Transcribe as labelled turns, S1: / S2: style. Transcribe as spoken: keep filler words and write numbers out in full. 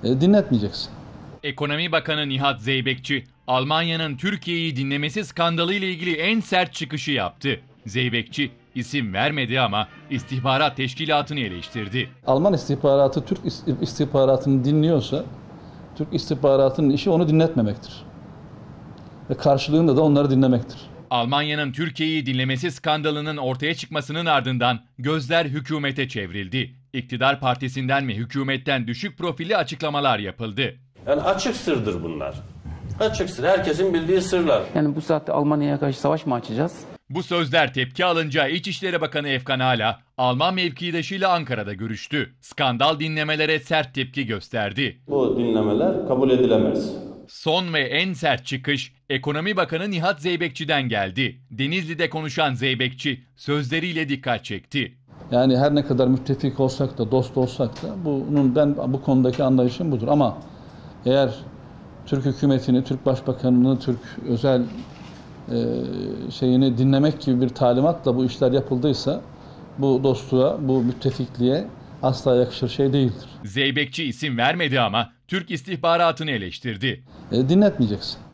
S1: E, dinletmeyeceksin.
S2: Ekonomi Bakanı Nihat Zeybekçi, Almanya'nın Türkiye'yi dinlemesi skandalı ile ilgili en sert çıkışı yaptı. Zeybekçi isim vermedi ama istihbarat teşkilatını eleştirdi.
S1: Alman istihbaratı Türk istihbaratını dinliyorsa, Türk istihbaratının işi onu dinletmemektir. Ve karşılığında da onları dinlemektir.
S2: Almanya'nın Türkiye'yi dinlemesi skandalının ortaya çıkmasının ardından gözler hükümete çevrildi. İktidar partisinden ve hükümetten düşük profilli açıklamalar yapıldı.
S3: Yani açık sırdır bunlar. Açık sır. Herkesin bildiği sırlar.
S4: Yani bu saatte Almanya'ya karşı savaş mı açacağız?
S2: Bu sözler tepki alınca İçişleri Bakanı Efkan Ala, Alman mevkidaşıyla Ankara'da görüştü. Skandal dinlemelere sert tepki gösterdi.
S3: Bu dinlemeler kabul edilemez.
S2: Son ve en sert çıkış Ekonomi Bakanı Nihat Zeybekçi'den geldi. Denizli'de konuşan Zeybekçi sözleriyle dikkat çekti.
S1: Yani her ne kadar müttefik olsak da, dost olsak da bunun ben bu konudaki anlayışım budur. Ama eğer Türk hükümetini, Türk Başbakanını, Türk özel e, şeyini dinlemek gibi bir talimatla bu işler yapıldıysa bu dostluğa, bu müttefikliğe asla yakışır şey değildir.
S2: Zeybekçi isim vermedi ama Türk istihbaratını eleştirdi.
S1: E, dinletmeyeceksin.